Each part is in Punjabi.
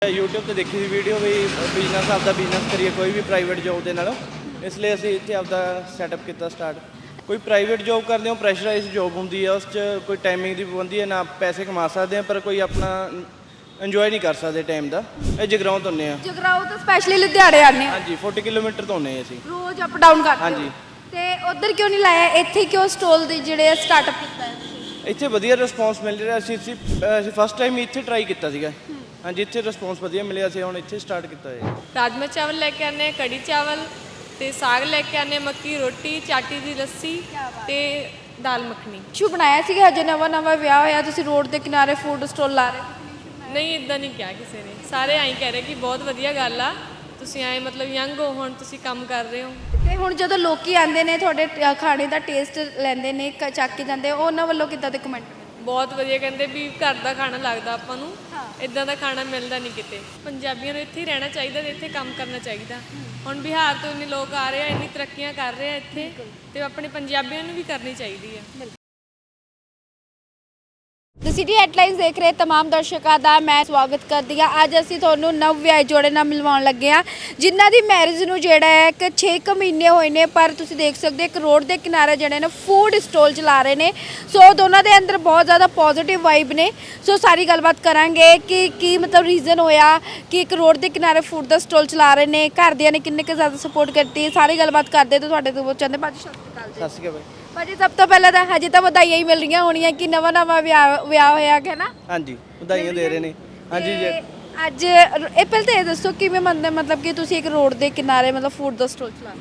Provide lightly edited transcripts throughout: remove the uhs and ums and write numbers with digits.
YouTube ਤੇ ਦੇਖੀ ਸੀ ਵੀਡੀਓ ਵੀ ਬਿਜ਼ਨਸ ਆਪਦਾ ਬਿਜ਼ਨਸ ਕਰੀਏ ਕੋਈ ਵੀ ਪ੍ਰਾਈਵੇਟ ਜੋਬ ਦੇ ਨਾਲੋਂ, ਇਸ ਲਈ ਅਸੀਂ ਇੱਥੇ ਆਪਦਾ ਸੈਟਅਪ ਕੀਤਾ ਸਟਾਰਟ। ਕੋਈ ਪ੍ਰਾਈਵੇਟ ਜੋਬ ਕਰਦੇ ਹੋ ਪ੍ਰੈਸ਼ਰਾਈਜ਼ ਜੋਬ ਹੁੰਦੀ ਹੈ, ਉਸ 'ਚ ਕੋਈ ਟਾਈਮਿੰਗ ਦੀ ਪਾਬੰਦੀ ਹੈ, ਨਾ ਪੈਸੇ ਕਮਾ ਸਕਦੇ ਆ ਪਰ ਕੋਈ ਆਪਣਾ ਇੰਜੋਏ ਨਹੀਂ ਕਰ ਸਕਦੇ ਟਾਈਮ ਦਾ। ਇਹ ਜਗਰਾਓਂ ਤੋਂ ਆਉਂਦੇ ਆ। ਜਗਰਾਓਂ ਤੋਂ ਸਪੈਸ਼ਲੀ ਲੁਧਿਆਣੇ ਆਉਂਦੇ ਆ। ਹਾਂਜੀ 40 ਕਿਲੋਮੀਟਰ ਤੋਂ ਆਉਂਦੇ ਅਸੀਂ। ਰੋਜ਼ ਅਪ ਡਾਊਨ ਕਰਦੇ ਹੋ? ਹਾਂਜੀ। ਤੇ ਉਧਰ ਕਿਉਂ ਨਹੀਂ ਲਾਇਆ, ਇੱਥੇ ਕਿਉਂ ਸਟਾਲ ਦੇ ਜਿਹੜੇ ਸਟਾਰਟਅਪ ਕੀਤਾ ਹੈ ਤੁਸੀਂ? ਇੱਥੇ ਵਧੀਆ ਰਿਸਪੌਂਸ ਮਿਲ ਰਿਹਾ। ਅਸੀਂ ਫਸਟ ਟਾਈਮ ਇੱਥੇ ਟਰਾਈ ਕੀਤਾ ਸੀਗਾ। ਹਾਂਜੀ ਇੱਥੇ ਰਿਸਪੌਂਸ ਵਧੀਆ ਮਿਲਿਆ, ਅਸੀਂ ਹੁਣ ਇੱਥੇ ਸਟਾਰਟ ਕੀਤਾ ਹੈ। ਰਾਜਮਾ ਚਾਵਲ ਲੈ ਕੇ ਆਨੇ, ਕੜੀ ਚਾਵਲ ਤੇ ਸਾਗ ਲੈ ਕੇ ਆਨੇ, ਮੱਕੀ ਰੋਟੀ, ਚਾਟੀ ਦੀ ਲੱਸੀ ਤੇ ਦਾਲ ਮੱਖਣੀ। ਸ਼ੂ ਬਣਾਇਆ ਸੀਗਾ ਹਜੇ ਨਵਾਂ ਵਿਆਹ ਹੋਇਆ, ਤੁਸੀਂ ਰੋਡ ਦੇ ਕਿਨਾਰੇ ਫੂਡ ਸਟਾਲ ਲਾ ਰਹੇ? ਨਹੀਂ ਇਦਾਂ ਨਹੀਂ ਕਿਹਾ ਕਿਸੇ ਨੇ, ਸਾਰੇ ਐਂ ਕਹਿ ਰਹੇ ਕਿ ਬਹੁਤ ਵਧੀਆ ਗੱਲ ਆ, ਤੁਸੀਂ ਐਂ ਮਤਲਬ ਯੰਗ ਹੋ, ਹੁਣ ਤੁਸੀਂ ਕੰਮ ਕਰ ਰਹੇ ਹੋ। ਤੇ ਹੁਣ ਜਦੋਂ ਲੋਕੀ ਆਉਂਦੇ ਨੇ ਤੁਹਾਡੇ ਖਾਣੇ ਦਾ ਟੇਸਟ ਲੈਂਦੇ ਨੇ, ਚੱਕ ਕੇ ਜਾਂਦੇ, ਉਹਨਾਂ ਵੱਲੋਂ ਕਿੱਦਾਂ ਦੇ ਕਮੈਂਟ? ਬਹੁਤ ਵਧੀਆ, ਕਹਿੰਦੇ ਵੀ ਘਰ ਦਾ ਖਾਣਾ ਲੱਗਦਾ ਆਪਾਂ ਨੂੰ, ਇਦਾਂ ਦਾ ਖਾਣਾ ਮਿਲਦਾ ਨਹੀਂ ਕਿਤੇ। ਪੰਜਾਬੀਆਂ ਨੂੰ ਇੱਥੇ ਹੀ ਰਹਿਣਾ ਚਾਹੀਦਾ ਤੇ ਇੱਥੇ ਕੰਮ ਕਰਨਾ ਚਾਹੀਦਾ। ਹੁਣ ਬਿਹਾਰ ਤੋਂ ਇੰਨੇ ਲੋਕ ਆ ਰਹੇ ਆ, ਇੰਨੀ ਤਰੱਕੀਆਂ ਕਰ ਰਹੇ ਆ ਇੱਥੇ, ਤੇ ਆਪਣੇ ਪੰਜਾਬੀਆਂ ਨੂੰ ਵੀ ਕਰਨੀ ਚਾਹੀਦੀ ਆ। ਦ ਸਿਟੀ ਹੈਡਲਾਈਨਸ ਦੇਖ ਰਹੇ तमाम ਦਰਸ਼ਕਾਂ ਦਾ ਮੈਂ ਸਵਾਗਤ ਕਰਦੀ ਹਾਂ। ਅੱਜ ਅਸੀਂ ਤੁਹਾਨੂੰ ਨਵ ਵਿਆਹੇ ਜੋੜੇ ਨਾਲ ਮਿਲਵਾਉਣ ਲੱਗੇ ਹਾਂ, ਜਿਨ੍ਹਾਂ ਦੀ ਮੈਰਿਜ ਨੂੰ ਜਿਹੜਾ ਹੈ ਕਿ 6 ਮਹੀਨੇ ਹੋਏ ਨੇ, ਪਰ ਤੁਸੀਂ ਦੇਖ ਸਕਦੇ ਇੱਕ ਰੋਡ ਦੇ ਕਿਨਾਰੇ ਜਿਹੜੇ ਨੇ ਫੂਡ ਸਟਾਲ ਚਲਾ ਰਹੇ ਨੇ। ਸੋ ਦੋਨਾਂ ਦੇ ਅੰਦਰ ਬਹੁਤ ਜ਼ਿਆਦਾ ਪੋਜ਼ਿਟਿਵ ਵਾਈਬ ਨੇ। ਸੋ ਸਾਰੀ ਗੱਲਬਾਤ ਕਰਾਂਗੇ ਕਿ ਕੀ ਮਤਲਬ ਰੀਜ਼ਨ ਹੋਇਆ ਕਿ ਇੱਕ ਰੋਡ ਦੇ ਕਿਨਾਰੇ ਫੂਡ ਦਾ ਸਟਾਲ ਚਲਾ ਰਹੇ ਨੇ, ਘਰਦਿਆਂ ਨੇ ਕਿੰਨੇ ਕੁ ਜ਼ਿਆਦਾ ਸਪੋਰਟ ਕਰਤੀ, ਸਾਰੀ ਗੱਲਬਾਤ ਕਰਦੇ ਤਾਂ ਤੁਹਾਡੇ ਤੋਂ ਪੁੱਛਾਂਦੇ। ਭਾਜੀ ਸਤਿ ਸ਼੍ਰੀ ਅਕਾਲ। ਸਤਿ ਸ਼੍ਰੀ ਅਕਾਲ ਭਾਜੀ ਸਭ ਤੋਂ ਪਹਿਲਾਂ ਤਾਂ ਹਜੇ ਤਾਂ ਵਧਾਈਆਂ ਹੀ ਮਿਲ ਰਹੀਆਂ ਹੋਣੀਆਂ ਕਿ ਨਵਾਂ ਵਿਆਹ ਹੋਇਆ ਹੈ ਨਾ? ਹਾਂਜੀ ਵਧਾਈਆਂ ਦੇ ਰਹੇ ਨੇ। ਹਾਂਜੀ ਜੀ ਅੱਜ ਇਹ ਪਹਿਲਾਂ ਤਾਂ ਇਹ ਦੱਸੋ ਕਿਵੇਂ ਮਤਲਬ ਕਿ ਤੁਸੀਂ ਇੱਕ ਰੋਡ ਦੇ ਕਿਨਾਰੇ ਮਤਲਬ ਫੂਡ ਦਾ ਸਟਾਲ ਚਲਾ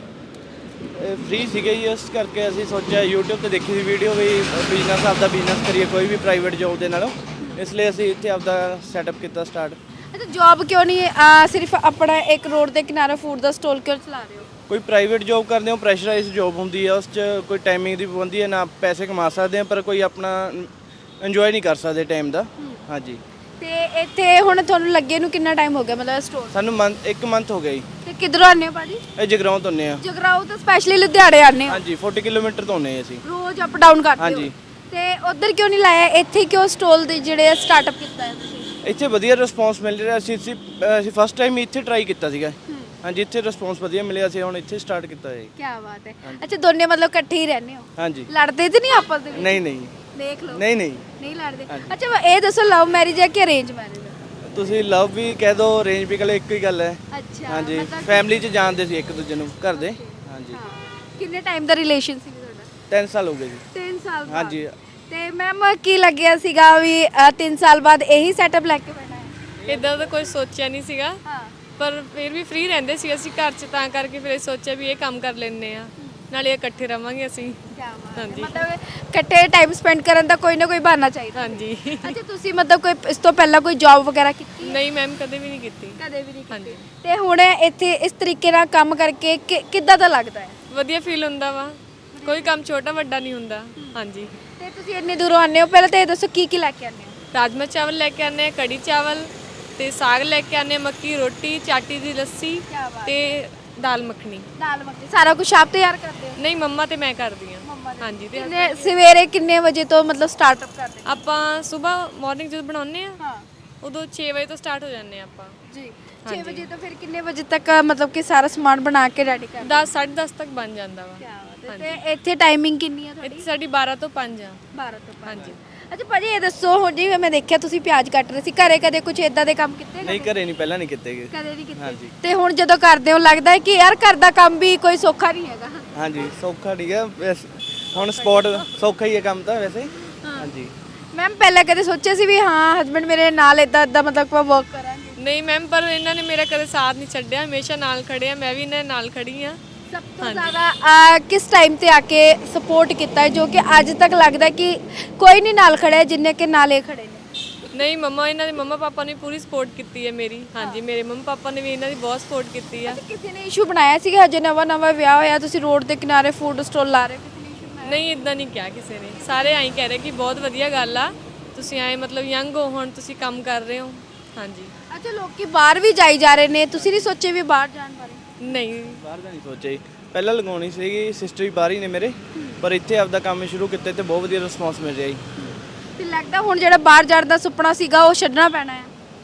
ਰਹੇ? ਫ੍ਰੀ ਸੀਗੇ ਜੀ, ਇਸ ਕਰਕੇ ਅਸੀਂ ਸੋਚਿਆ YouTube ਤੇ ਦੇਖੀ ਸੀ ਵੀਡੀਓ ਵੀ ਬਿਜ਼ਨਸ ਆਪਦਾ ਬਿਜ਼ਨਸ ਕਰੀਏ ਕੋਈ ਵੀ ਪ੍ਰਾਈਵੇਟ ਜੋਬ ਦੇ ਨਾਲੋਂ, ਇਸ ਲਈ ਅਸੀਂ ਇੱਥੇ ਆਪਦਾ ਸੈਟਅਪ ਕੀਤਾ ਸਟਾਰਟ। ਅੱਛਾ ਜੌਬ ਕਿਉਂ ਨਹੀਂ ਸਿਰਫ ਆਪਣਾ ਇੱਕ ਰੋਡ ਦੇ ਕਿਨਾਰੇ ਫੂਡ ਦਾ ਸਟਾਲ ਕਿਉਂ ਚਲਾ ਰਹੇ ਹੋ? ਕੋਈ ਪ੍ਰਾਈਵੇਟ ਜੋਬ ਕਰਦੇ ਹੋ ਪ੍ਰੈਸ਼ਰਾਈਜ਼ ਜੋਬ ਹੁੰਦੀ ਹੈ, ਉਸ 'ਚ ਕੋਈ ਟਾਈਮਿੰਗ ਦੀ ਪਾਬੰਦੀ ਹੈ, ਨਾ ਪੈਸੇ ਕਮਾ ਸਕਦੇ ਆ ਪਰ ਕੋਈ ਆਪਣਾ ਇੰਜੋਏ ਨਹੀਂ ਕਰ ਸਕਦੇ ਟਾਈਮ ਦਾ। ਹਾਂਜੀ। ਤੇ ਇੱਥੇ ਹੁਣ ਤੁਹਾਨੂੰ ਲੱਗੇ ਨੂੰ ਕਿੰਨਾ ਟਾਈਮ ਹੋ ਗਿਆ ਮਤਲਬ ਸਟੋਰ? ਸਾਨੂੰ ਇੱਕ ਮੰਥ ਹੋ ਗਿਆ ਜੀ। ਤੇ ਕਿੱਧਰੋਂ ਆਉਂਦੇ ਹੋ ਭਾਜੀ? ਇਹ ਜਗਰਾਓਂ ਤੋਂ ਆਉਂਦੇ ਆ। ਜਗਰਾਓਂ ਤੋਂ ਸਪੈਸ਼ਲੀ ਲੁਧਿਆਣੇ ਆਉਂਦੇ ਹੋ? ਹਾਂਜੀ 40 ਕਿਲੋਮੀਟਰ ਤੋਂ ਆਉਂਦੇ ਅਸੀਂ। ਰੋਜ਼ ਅਪ ਡਾਊਨ ਕਰਦੇ ਹੋ? ਹਾਂਜੀ। ਤੇ ਉਧਰ ਕਿਉਂ ਨਹੀਂ ਲਾਇਆ, ਇੱਥੇ ਕਿਉਂ ਸਟਾਲ ਦੇ ਜਿਹੜੇ ਸਟਾਰਟਅਪ ਕੀਤਾ ਹੈ ਤੁਸੀਂ? ਇੱਥੇ ਵਧੀਆ ਰਿਸਪੌਂਸ ਮਿਲ ਰਿਹਾ। ਅਸੀਂ ਫਸਟ ਟਾਈਮ ਇੱਥੇ ਟਰਾਈ ਕੀਤਾ ਸੀਗਾ। ਹਾਂਜੀ ਇੱਥੇ ਰਿਸਪੌਂਸ ਵਧੀਆ ਮਿਲਿਆ, ਅਸੀਂ ਹੁਣ ਇੱਥੇ ਸਟਾਰਟ ਕੀਤਾ ਹੈ। ਕੀ ਬਾਤ ਹੈ। ਅੱਛਾ ਦੋਨੇ ਮਤਲਬ ਇਕੱਠੇ ਹੀ ਰਹਿੰਦੇ ਹੋ? ਹਾਂਜੀ। ਲੜਦੇ ਤੇ ਨਹੀਂ ਆਪਸ ਦੇ ਵਿੱਚ? ਨਹੀਂ ਨਹੀਂ ਦੇਖ ਲਓ। ਨਹੀਂ ਲੜਦੇ। ਅੱਛਾ ਇਹ ਦੱਸੋ ਲਵ ਮੈਰਿਜ ਹੈ ਕਿ ਅਰੇਂਜ ਮੈਰਿਜ ਹੈ? ਤੁਸੀਂ ਲਵ ਵੀ ਕਹਿ ਦੋ ਅਰੇਂਜ ਵੀ ਕਹਿ ਇੱਕੋ ਹੀ ਗੱਲ ਹੈ। ਅੱਛਾ ਹਾਂਜੀ ਫੈਮਿਲੀ 'ਚ ਜਾਣਦੇ ਸੀ ਇੱਕ ਦੂਜੇ ਨੂੰ ਘਰ ਦੇ। ਹਾਂਜੀ। ਕਿੰਨੇ ਟਾਈਮ ਦਾ ਰਿਲੇਸ਼ਨ ਸੀ ਤੁਹਾਡਾ? 3 ਸਾਲ ਹੋ ਗਏ ਜੀ। 3 ਸਾਲ ਬਾਅਦ? ਹਾਂਜੀ। ਤੇ ਮੈਮ ਕੀ ਲੱਗਿਆ ਸੀਗਾ ਵੀ 3 ਸਾਲ ਬਾਅਦ ਇਹੀ ਸੈਟਅਪ ਲੈ ਕੇ ਬੈਠਾ ਹੈ? ਇਦਾਂ ਦਾ ਕੋਈ ਸੋਚਿਆ ਨਹੀਂ ਸੀਗਾ, ਹਾਂ। ਪਰ ਫਿਰ ਵੀ ਫ੍ਰੀ ਰਹਿੰਦੇ ਸੀ ਅਸੀਂ ਘਰ 'ਚ, ਤਾਂ ਕਰਕੇ ਫਿਰ ਸੋਚਿਆ ਵੀ ਇਹ ਕੰਮ ਕਰ ਲੈਂਦੇ ਆ, ਨਾਲੇ ਇਕੱਠੇ ਰਵਾਂਗੇ ਅਸੀਂ। ਹਾਂਜੀ ਮਤਲਬ ਇਕੱਠੇ ਟਾਈਮ ਸਪੈਂਡ ਕਰਨ ਦਾ ਕੋਈ ਨਾ ਕੋਈ ਬਹਾਨਾ ਚਾਹੀਦਾ। ਹਾਂਜੀ। ਅੱਛਾ ਤੁਸੀਂ ਮਤਲਬ ਕੋਈ ਇਸ ਤੋਂ ਪਹਿਲਾਂ ਕੋਈ ਜੌਬ ਵਗੈਰਾ ਕੀਤੀ? ਨਹੀਂ ਮੈਮ ਕਦੇ ਵੀ ਨਹੀਂ ਕੀਤੀ। ਕਦੇ ਵੀ ਨਹੀਂ ਕੀਤੀ? ਹਾਂਜੀ। ਤੇ ਹੁਣ ਇੱਥੇ ਇਸ ਤਰੀਕੇ ਨਾਲ ਕੰਮ ਕਰਕੇ ਕਿੱਦਾਂ ਦਾ ਲੱਗਦਾ ਹੈ? ਵਧੀਆ ਫੀਲ ਹੁੰਦਾ ਵਾ, ਕੋਈ ਕੰਮ ਛੋਟਾ ਵੱਡਾ ਨਹੀਂ ਹੁੰਦਾ। ਹਾਂਜੀ। ਤੇ ਤੁਸੀਂ ਇੰਨੀ ਦੂਰੋਂ ਆਉਂਦੇ ਹੋ, ਪਹਿਲਾਂ ਤਾਂ ਇਹ ਦੱਸੋ ਕੀ ਲੈ ਕੇ ਆਉਂਦੇ ਹੋ? ਰਾਜਮਾ ਚਾਵਲ ਲੈ ਕੇ ਆਨੇ, ਕੜੀ ਚਾਵਲ ਤੇ ਸਾਗ ਲੈ ਕੇ ਆਨੇ, ਮੱਕੀ ਰੋਟੀ, ਚਾਟੀ ਦੀ ਲੱਸੀ ਤੇ ਦਾਲ ਮੱਖਣੀ। ਦਾਲ ਮੱਖਣੀ ਸਾਰਾ ਕੁਝ ਆਪ ਤਿਆਰ ਕਰਦੇ ਹੋ? ਨਹੀਂ ਮੰਮਾ ਤੇ ਮੈਂ ਕਰਦੀ ਹਾਂ। ਹਾਂਜੀ। ਤੇ ਸਵੇਰੇ ਕਿੰਨੇ ਵਜੇ ਤੋਂ ਮਤਲਬ ਸਟਾਰਟਅਪ ਕਰਦੇ? ਆਪਾਂ ਸਵੇਰ ਮਾਰਨਿੰਗ ਜਦੋਂ ਬਣਾਉਂਦੇ ਆ ਹਾਂ ਉਦੋਂ 6 ਵਜੇ ਤੋਂ ਸਟਾਰਟ ਹੋ ਜਾਂਦੇ ਆ ਆਪਾਂ ਜੀ। 6 ਵਜੇ ਤੋਂ ਫਿਰ ਕਿੰਨੇ ਵਜੇ ਤੱਕ ਮਤਲਬ ਕਿ ਸਾਰਾ ਸਮਾਨ ਬਣਾ ਕੇ ਰੈਡੀ ਕਰਦੇ? 10 10:30 ਤੱਕ ਬਣ ਜਾਂਦਾ ਵਾ। ਤੇ ਇੱਥੇ ਟਾਈਮਿੰਗ ਕਿੰਨੀ ਹੈ ਤੁਹਾਡੀ? ਇੱਥੇ ਸਾਡੀ 12 ਤੋਂ 5 ਆ। 12 ਤੋਂ 5? ਹਾਂਜੀ। ਅੱਛਾ ਭਾਜੀ ਇਹ ਦੱਸੋ ਹੁਣ ਜਿਵੇਂ ਮੈਂ ਦੇਖਿਆ ਤੁਸੀਂ ਪਿਆਜ਼ ਕੱਟ ਰਹੇ ਸੀ, ਘਰੇ ਕਦੇ ਕੁਝ ਇਦਾਂ ਦੇ ਕੰਮ ਕੀਤੇ? ਨਹੀਂ ਘਰੇ ਨਹੀਂ, ਪਹਿਲਾਂ ਨਹੀਂ ਕੀਤੇ ਗਏ। ਕਦੇ ਨਹੀਂ ਕੀਤੇ? ਹਾਂਜੀ। ਤੇ ਹੁਣ ਜਦੋਂ ਕਰਦੇ ਹੋ ਲੱਗਦਾ ਹੈ ਕਿ ਯਾਰ ਘਰ ਦਾ ਕੰਮ ਵੀ ਕੋਈ ਸੌਖਾ ਨਹੀਂ ਹੈਗਾ? ਹਾਂਜੀ ਸੌਖਾ ਨਹੀਂ ਹੈ ਹੁਣ, ਸਪੋਰਟ ਸੌਖਾ ਹੀ ਹੈ ਕੰਮ ਤਾਂ ਵੈਸੇ। ਹਾਂਜੀ। ਮੈਮ ਪਹਿਲਾਂ ਕਦੇ ਸੋਚਿਆ ਸੀ ਵੀ ਹਾਂ ਹਸਬੰਡ ਮੇਰੇ ਨਾਲ ਇਦਾਂ ਮਤਲਬ ਆਪਾਂ ਵਰਕ ਕਰਾਂਗੇ? ਨਹੀਂ ਮੈਮ, ਪਰ ਇਹਨਾਂ ਨੇ ਮੇਰਾ ਕਦੇ ਸਾਥ ਨਹੀਂ ਛੱਡਿਆ, ਹਮੇਸ਼ਾ ਨਾਲ ਖੜੇ ਆ, ਮੈਂ ਵੀ ਇਹਨਾਂ ਦੇ ਨਾਲ ਖੜੀ ਆ। ਸਭ ਤੋਂ ਜ਼ਿਆਦਾ ਕਿਸ ਟਾਈਮ ਤੇ ਆ ਕੇ ਸਪੋਰਟ ਕੀਤਾ ਹੈ ਜੋ ਕਿ ਅੱਜ ਤੱਕ ਲੱਗਦਾ ਕਿ ਕੋਈ ਨਹੀਂ ਨਾਲ ਖੜਾ ਜਿੰਨੇ ਕਿ ਨਾਲ ਇਹ ਖੜੇ ਨੇ? ਨਹੀਂ ਮੰਮਾ, ਇਹਨਾਂ ਦੇ ਮੰਮਾ ਪਾਪਾ ਨੇ ਪੂਰੀ ਸਪੋਰਟ ਕੀਤੀ ਹੈ ਮੇਰੀ। ਹਾਂਜੀ ਮੇਰੇ ਮੰਮਾ ਪਾਪਾ ਨੇ ਵੀ ਇਹਨਾਂ ਦੀ ਬਹੁਤ ਸਪੋਰਟ ਕੀਤੀ ਆ। ਕਿਸੇ ਨੇ ਇਸ਼ੂ ਬਣਾਇਆ ਸੀਗਾ ਹਜੇ ਨਵਾਂ ਵਿਆਹ ਹੋਇਆ, ਤੁਸੀਂ ਰੋਡ ਦੇ ਕਿਨਾਰੇ ਫੂਡ ਸਟਾਲ ਲਾ ਰਹੇ ਹੋ? ਕਿਸੇ ਨੇ ਇਸ਼ੂ ਬਣਾਇਆ? ਨਹੀਂ ਇਦਾਂ ਨਹੀਂ ਕਿਹਾ ਕਿਸੇ ਨੇ, ਸਾਰੇ ਐਂ ਕਹਿ ਰਹੇ ਕਿ ਬਹੁਤ ਵਧੀਆ ਗੱਲ ਆ, ਤੁਸੀਂ ਐਂ ਮਤਲਬ ਯੰਗ ਹੋ, ਹੁਣ ਤੁਸੀਂ ਕੰਮ ਕਰ ਰਹੇ ਹੋ। ਹਾਂਜੀ। ਅੱਛਾ ਲੋਕੀ ਬਾਹਰ ਵੀ ਜਾਈ ਜਾ ਰਹੇ ਨੇ, ਤੁਸੀਂ ਨਹੀਂ ਸੋਚੇ ਵੀ ਬਾਹਰ ਜਾਣ ਬਾਰੇ? ਨਹੀਂ ਬਾਹਰ ਦਾ ਨਹੀਂ ਸੋਚਿਆ ਜੀ। ਪਹਿਲਾਂ ਲਗਾਉਣੀ ਸੀਗੀ, ਸਿਸਟਰ ਵੀ ਬਾਹਰ ਹੀ ਨੇ ਮੇਰੇ, ਪਰ ਇੱਥੇ ਆਪਦਾ ਕੰਮ ਸ਼ੁਰੂ ਕੀਤਾ ਤੇ ਬਹੁਤ ਵਧੀਆ ਰਿਸਪੌਂਸ ਮਿਲ ਰਿਹਾ ਜੀ। ਤੇ ਲੱਗਦਾ ਹੁਣ ਜਿਹੜਾ ਬਾਹਰ ਜਾਣ ਦਾ ਸੁਪਨਾ ਸੀਗਾ ਉਹ ਛੱਡਣਾ ਪੈਣਾ ਹੈ?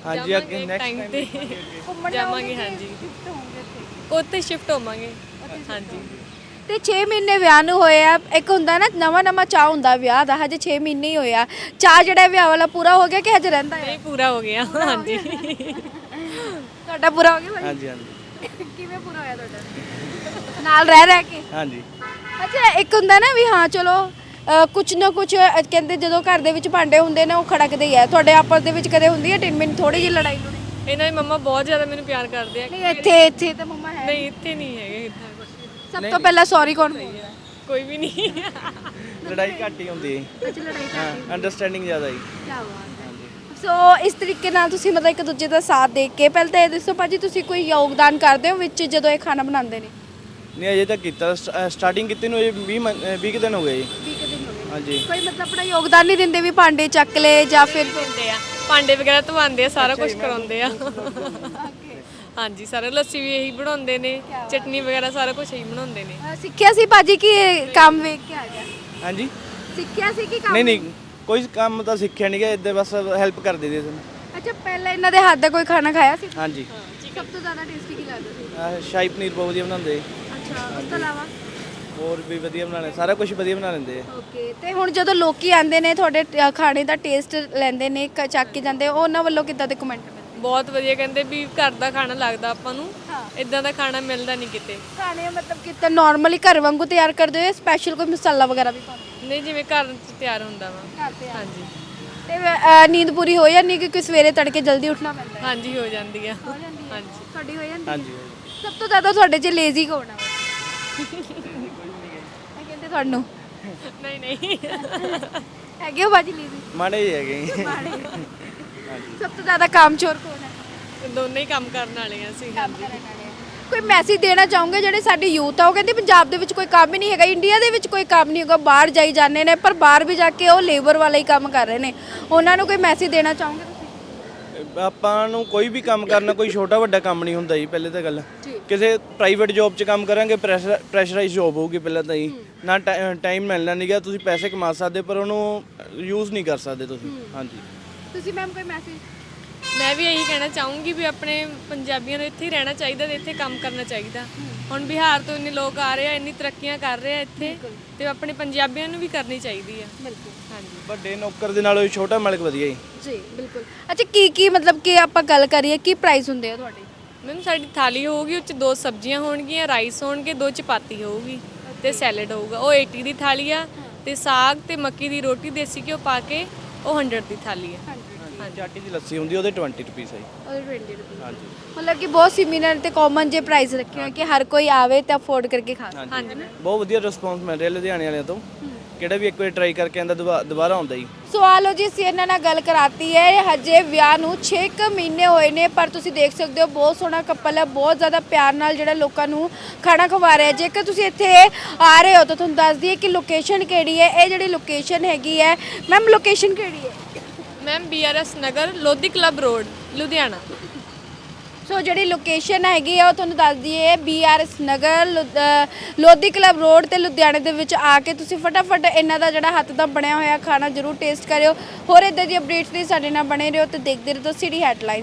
ਹਾਂਜੀ ਅੱਗੇ ਨੈਕਸਟ ਟਾਈਮ ਟਾਈਮ ਤੇ ਘੁੰਮਣ ਜਾਵਾਂਗੇ, ਜਾਓਗੇ ਹਾਂਜੀ। ਕਿ shift ਹੋਵੋਗੇ ਇੱਥੇ? ਉੱਥੇ ਸ਼ਿਫਟ ਹੋਵਾਂਗੇ ਹਾਂਜੀ। ਤੇ 6 ਮਹੀਨੇ ਵਿਆਹ ਨੂੰ ਹੋਏ ਆ, ਇੱਕ ਹੁੰਦਾ ਨਾ ਨਵਾਂ ਨਵਾਂ ਚਾਹ ਹੁੰਦਾ ਵਿਆਹ ਦਾ, ਹਜੇ 6 ਮਹੀਨੇ ਹੀ ਹੋਇਆ, ਚਾਹ ਜਿਹੜਾ ਵਿਆਹ ਵਾਲਾ ਪੂਰਾ ਹੋ ਗਿਆ ਕਿ ਹਜੇ ਰਹਿੰਦਾ ਹੈ? ਨਹੀਂ ਪੂਰਾ ਹੋ ਗਿਆ ਹਾਂਜੀ। ਤੁਹਾਡਾ ਪੂਰਾ ਹੋ ਗਿਆ ਭਾਜੀ? ਹਾਂਜੀ ਹਾਂਜੀ ਕਿਵੇਂ ਪੂਰਾ ਹੋਇਆ ਤੁਹਾਡਾ? ਨਾਲ ਰਹਿ ਕੇ? ਹਾਂਜੀ ਅੱਛਾ, ਇੱਕ ਹੁੰਦਾ ਨਾ ਵੀ ਹਾਂ ਚਲੋ ਕੁਛ ਨਾ ਕੁਛ ਕਹਿੰਦੇ ਜਦੋਂ ਘਰ ਦੇ ਵਿੱਚ ਭਾਂਡੇ ਹੁੰਦੇ ਨੇ ਉਹ ਖੜਕਦੇ ਹੀ ਆ, ਤੁਹਾਡੇ ਆਪਸ ਦੇ ਵਿੱਚ ਕਦੇ ਹੁੰਦੀ ਹੈ ਟਿੰਨ ਥੋੜੀ ਜਿਹੀ ਲੜਾਈ ਲੜਾਈ? ਇਹਨਾਂ ਦੀ ਮੰਮਾ ਬਹੁਤ ਜ਼ਿਆਦਾ ਮੈਨੂੰ ਪਿਆਰ ਕਰਦੇ ਆ। ਨਹੀਂ ਇੱਥੇ ਤਾਂ ਮੰਮਾ ਹੈ ਨਹੀਂ ਇੱਥੇ ਨਹੀਂ ਹੈਗੇ ਇੱਦਾਂ ਕੁਛ। ਸਭ ਤੋਂ ਪਹਿਲਾਂ ਸੌਰੀ ਕੌਣ ਬੋਲਦਾ? ਕੋਈ ਵੀ ਨਹੀਂ। ਲੜਾਈ ਘੱਟ ਹੀ ਹੁੰਦੀ ਹੈ ਅੱਛਾ, ਲੜਾਈ ਹਾਂ ਅੰਡਰਸਟੈਂਡਿੰਗ ਜ਼ਿਆਦਾ ਹੀ ਕੀ ਬਾਤ ਹੈ। ਸੋ ਇਸ ਤਰੀਕੇ ਨਾਲ ਤੁਸੀਂ ਮਤਲਬ ਇੱਕ ਦੂਜੇ ਦਾ ਸਾਥ ਦੇ ਕੇ, ਪਹਿਲਾਂ ਤਾਂ ਇਹ ਦੱਸੋ ਭਾਜੀ ਤੁਸੀਂ ਕੋਈ ਯੋਗਦਾਨ ਕਰਦੇ ਹੋ ਵਿੱਚ ਜਦੋਂ ਇਹ ਖਾਣਾ ਬਣਾਉਂਦੇ ਨੇ? ਨਹੀਂ ਅਜੇ ਤੱਕ ਕੀਤਾ ਸਟਾਰਟਿੰਗ ਕੀਤੀ ਨੂੰ ਅਜੇ 20 ਕੁ ਦਿਨ ਹੋ ਗਏ ਜੀ 20 ਦਿਨ ਹੋ ਗਏ। ਹਾਂਜੀ ਕੋਈ ਮਤਲਬ ਆਪਣਾ ਯੋਗਦਾਨ ਨਹੀਂ ਦਿੰਦੇ ਵੀ ਭਾਂਡੇ ਚੱਕ ਲੈ ਜਾਂ ਫਿਰ ਹੁੰਦੇ ਆ ਭਾਂਡੇ ਵਗੈਰਾ ਧਵਾਉਂਦੇ ਆ, ਸਾਰਾ ਕੁਝ ਕਰਾਉਂਦੇ ਆ। ਹਾਂਜੀ ਸਾਰਾ ਲੱਸੀ ਵੀ ਇਹੀ ਬਣਾਉਂਦੇ ਨੇ, ਚਟਨੀ ਵਗੈਰਾ ਸਾਰਾ ਕੁਝ ਇਹੀ ਬਣਾਉਂਦੇ ਨੇ। ਸਿੱਖਿਆ ਸੀ ਭਾਜੀ ਕਿ ਇਹ ਕੰਮ ਵੇਖ ਕੇ ਆ ਗਿਆ? ਹਾਂਜੀ ਸਿੱਖਿਆ ਸੀ ਕਿ ਕੰਮ? ਨਹੀਂ ਕੋਈ ਕੰਮ ਤਾਂ ਸਿੱਖਿਆ ਨਹੀਂ ਗਿਆ, ਇੱਦਾਂ ਬਸ ਹੈਲਪ ਕਰ ਦਿੰਦੇ ਸੀ। ਅੱਛਾ, ਪਹਿਲਾਂ ਇਹਨਾਂ ਦੇ ਹੱਥ ਦਾ ਕੋਈ ਖਾਣਾ ਖਾਇਆ ਸੀ? ਹਾਂਜੀ ਸਭ ਤੋਂ ਜ਼ਿਆਦਾ ਟੇਸਟੀ ਕੀ ਲੱਗਦਾ ਸੀ? ਸ਼ਾਹੀ ਪਨੀਰ ਬਹੁਤ ਵਧੀਆ ਬਣਾਉਂਦੇ ਅੱਛਾ, ਉਸ ਤੋਂ ਇਲਾਵਾ? ਹੋਰ ਵੀ ਵਧੀਆ ਬਣਾਉਂਦੇ, ਸਾਰਾ ਕੁਝ ਵਧੀਆ ਬਣਾ ਲੈਂਦੇ ਆ। ਓਕੇ, ਤੇ ਹੁਣ ਜਦੋਂ ਲੋਕੀ ਆਉਂਦੇ ਨੇ ਤੁਹਾਡੇ ਖਾਣੇ ਦਾ ਟੇਸਟ ਲੈਂਦੇ ਨੇ ਚੱਕ ਕੇ ਜਾਂਦੇ, ਉਹਨਾਂ ਵੱਲੋਂ ਕਿੱਦਾਂ ਦੇ ਕਮੈਂਟ ਮਿਲਦੇ? ਬਹੁਤ ਵਧੀਆ, ਕਹਿੰਦੇ ਵੀ ਘਰ ਦਾ ਖਾਣਾ ਲੱਗਦਾ ਆਪਾਂ ਨੂੰ, ਹਾਂ। ਇਦਾਂ ਦਾ ਖਾਣਾ ਮਿਲਦਾ ਨਹੀਂ ਕਿਤੇ। ਖਾਣੇ ਮਤਲਬ ਕਿਤੇ ਨਾਰਮਲੀ ਘਰ ਵਾਂਗੂ ਤਿਆਰ ਕਰਦੇ ਹੋ, ਸਪੈਸ਼ਲ ਕੋਈ ਮਸਾਲਾ ਵਗੈਰਾ ਵੀ ਪਾਉਂਦੇ ਨਹੀਂ ਜਿਵੇਂ ਘਰ 'ਚ ਤਿਆਰ ਹੁੰਦਾ ਵਾ। ਘਰ ਤੇ? ਹਾਂਜੀ ਤੇ ਨੀਂਦ ਪੂਰੀ ਹੋ ਜਾਂਦੀ ਕਿਉਂਕਿ ਸਵੇਰੇ ਤੜਕੇ ਜਲਦੀ ਉੱਠਣਾ ਪੈਂਦਾ ਹੈ? ਹਾਂਜੀ ਹੋ ਜਾਂਦੀ ਆ। ਹੋ ਜਾਂਦੀ ਹੈ? ਹਾਂਜੀ ਤੁਹਾਡੀ ਹੋ ਜਾਂਦੀ ਹੈ? ਹਾਂਜੀ ਸਭ ਤੋਂ ਜ਼ਿਆਦਾ ਤੁਹਾਡੇ 'ਚ ਲੇਜ਼ੀ ਕੌਣ ਆ? ਮੈਂ ਕਹਿੰਦੇ ਤੁਹਾਨੂੰ ਨਹੀਂ ਨਹੀਂ ਹੈਗੇ ਹੋ ਬਾਜੀ ਲੇਜ਼ੀ? ਮਾੜੇ ਹੀ ਹੈਗੇ ਮਾੜੇ। ਸਭ ਤੋਂ ਜ਼ਿਆਦਾ ਕਾਮਚੋਰ ਕੌਣ ਹੈ? ਦੋਨੇ ਹੀ ਕੰਮ ਕਰਨ ਵਾਲੇ ਆ ਅਸੀਂ। ਹਾਂਜੀ ਕੋਈ ਮੈਸੇਜ ਦੇਣਾ ਚਾਹੋਗੇ ਜਿਹੜੇ ਸਾਡੀ ਯੂਥ ਆ, ਉਹ ਕਹਿੰਦੇ ਪੰਜਾਬ ਦੇ ਵਿੱਚ ਕੋਈ ਕੰਮ ਹੀ ਨਹੀਂ ਹੈਗਾ, ਇੰਡੀਆ ਦੇ ਵਿੱਚ ਕੋਈ ਕੰਮ ਨਹੀਂ ਹੈਗਾ, ਬਾਹਰ ਜਾਈ ਜਾਂਦੇ ਨੇ ਪਰ ਬਾਹਰ ਵੀ ਜਾ ਕੇ ਉਹ ਲੇਬਰ ਵਾਲਾ ਹੀ ਕੰਮ ਕਰ ਰਹੇ ਨੇ, ਉਹਨਾਂ ਨੂੰ ਕੋਈ ਮੈਸੇਜ ਦੇਣਾ ਚਾਹੋਗੇ ਤੁਸੀਂ? ਆਪਾਂ ਨੂੰ ਕੋਈ ਵੀ ਕੰਮ ਕਰਨਾ ਕੋਈ ਛੋਟਾ ਵੱਡਾ ਕੰਮ ਨਹੀਂ ਹੁੰਦਾ ਜੀ। ਪਹਿਲੇ ਤਾਂ ਗੱਲ ਜੀ। ਕਿਸੇ ਪ੍ਰਾਈਵੇਟ ਜੌਬ 'ਚ ਕੰਮ ਕਰਾਂਗੇ ਪ੍ਰੈਸ਼ਰਾਈਜ਼ ਜੌਬ ਹੋਊਗੀ ਪਹਿਲਾਂ ਤਾਂ ਜੀ, ਨਾ ਟਾਈਮ ਮਿਲਣਾ ਨਹੀਂਗਾ, ਤੁਸੀਂ ਪੈਸੇ ਕਮਾ ਸਕਦੇ ਪਰ ਉਹਨੂੰ ਯੂਜ਼ ਨਹੀਂ ਕਰ ਸਕਦੇ ਤੁਸੀਂ। ਹਾਂਜੀ ਤੁਸੀਂ ਮੈਮ ਕੋਈ ਮੈਸੇਜ? ਮੈਂ ਵੀ ਇਹੀ ਕਹਿਣਾ ਚਾਹੂੰਗੀ ਵੀ ਆਪਣੇ ਪੰਜਾਬੀਆਂ ਨੂੰ ਇੱਥੇ ਹੀ ਰਹਿਣਾ ਚਾਹੀਦਾ ਤੇ ਇੱਥੇ ਕੰਮ ਕਰਨਾ ਚਾਹੀਦਾ। ਹੁਣ ਬਿਹਾਰ ਤੋਂ ਇੰਨੇ ਲੋਕ ਆ ਰਹੇ ਆ, ਇੰਨੀ ਤਰੱਕੀਆਂ ਕਰ ਰਹੇ ਆ ਇੱਥੇ, ਤੇ ਆਪਣੇ ਪੰਜਾਬੀਆਂ ਨੂੰ ਵੀ ਕਰਨੀ ਚਾਹੀਦੀ ਆ। ਬਿਲਕੁਲ। ਹਾਂਜੀ ਵੱਡੇ ਨੌਕਰ ਦੇ ਨਾਲੋਂ ਛੋਟਾ ਮਾਲਕ ਵਧੀਆ ਜੀ। ਜੀ ਬਿਲਕੁਲ। ਅੱਛਾ, ਕੀ ਮਤਲਬ ਕਿ ਆਪਾਂ ਗੱਲ ਕਰੀਏ ਕੀ ਪ੍ਰਾਈਸ ਹੁੰਦੇ ਆ ਤੁਹਾਡੇ? ਮੈਮ ਸਾਡੀ ਥਾਲੀ ਹੋਊਗੀ, ਉਹ 'ਚ 2 ਸਬਜ਼ੀਆਂ ਹੋਣਗੀਆਂ, ਰਾਈਸ ਹੋਣਗੇ, 2 ਚਪਾਤੀ ਹੋਊਗੀ ਤੇ ਸੈਲਡ ਹੋਊਗਾ। ਉਹ 80 ਦੀ ਥਾਲੀ ਆ, ਤੇ ਸਾਗ ਤੇ ਮੱਕੀ ਦੀ ਰੋਟੀ ਦੇਸੀ ਘਿਓ ਪਾ ਕੇ ਉਹ 100 ਦੀ ਥਾਲੀ ਆ। ਚਾਟੀ ਦੀ ਲੱਸੀ ਹੁੰਦੀ ਉਹਦੇ 20 ਰੁਪਏ ਹੈ ਜੀ। ਉਹਦੇ 20 ਰੁਪਏ। ਹਾਂਜੀ ਮਤਲਬ ਕਿ ਬਹੁਤ ਸਿਮਿਲਰ ਤੇ ਕਾਮਨ ਜੇ ਪ੍ਰਾਈਸ ਰੱਖੇ ਹੋਏ ਕਿ ਹਰ ਕੋਈ ਆਵੇ ਤੇ ਅਫੋਰਡ ਕਰਕੇ ਖਾ ਸਕੇ। ਹਾਂਜੀ ਬਹੁਤ ਵਧੀਆ ਰਿਸਪੌਂਸ ਮਿਲ ਰਿਹਾ ਲੁਧਿਆਣੇ ਵਾਲਿਆਂ ਤੋਂ, ਕਿਹੜਾ ਵੀ ਇੱਕ ਵਾਰ ਟਰਾਈ ਕਰਕੇ ਆਂਦਾ ਦੁਬਾਰਾ ਆਉਂਦਾ ਜੀ। ਸਵਾਲੋ ਜੀ, ਅਸੀਂ ਇਹਨਾਂ ਨਾਲ ਗੱਲ ਕਰਾਤੀ ਹੈ, ਹਜੇ ਵਿਆਹ ਨੂੰ 6 ਮਹੀਨੇ ਹੋਏ ਨੇ ਪਰ ਤੁਸੀਂ ਦੇਖ ਸਕਦੇ ਹੋ ਬਹੁਤ ਸੋਹਣਾ ਕਪਲ ਹੈ, ਬਹੁਤ ਜ਼ਿਆਦਾ ਪਿਆਰ ਨਾਲ ਜਿਹੜਾ ਲੋਕਾਂ ਨੂੰ ਖਾਣਾ ਖਵਾ ਰਿਹਾ। ਜੇਕਰ ਤੁਸੀਂ ਇੱਥੇ ਆ ਰਹੇ ਹੋ ਤਾਂ ਤੁਹਾਨੂੰ ਦੱਸ ਦਈਏ ਕਿ ਲੋਕੇਸ਼ਨ ਕਿਹੜੀ ਹੈ। ਇਹ ਜਿਹੜੀ ਲੋਕੇਸ਼ਨ ਹੈਗੀ ਹੈ ਮੈਮ, ਲੋਕੇਸ਼ਨ ਕਿਹੜੀ ਹੈ? Ma'am BRS Nagar, Lodhi club road, Ludhiana. So ਜਿਹੜੀ ਲੋਕੇਸ਼ਨ ਹੈਗੀ ਆ ਉਹ ਤੁਹਾਨੂੰ ਦੱਸ ਦਈਏ BRS Nagar, Lodhi club road ਤੇ ਲੁਧਿਆਣੇ ਦੇ ਵਿੱਚ ਆ ਕੇ ਤੁਸੀਂ ਫਟਾਫਟ ਇਹਨਾਂ ਦਾ ਜਿਹੜਾ ਹੱਥ ਦਾ ਬਣਿਆ ਹੋਇਆ ਖਾਣਾ ਜ਼ਰੂਰ ਟੇਸਟ ਕਰਿਓ। ਹੋਰ ਇਦਾਂ ਦੀ ਅਪਡੇਟਸ ਲਈ ਸਾਡੇ ਨਾਲ ਬਣੇ ਰਹੋ ਤੇ ਦੇਖਦੇ ਰਹੋ ਸਿਟੀ ਹੈਡਲਾਈਨਸ।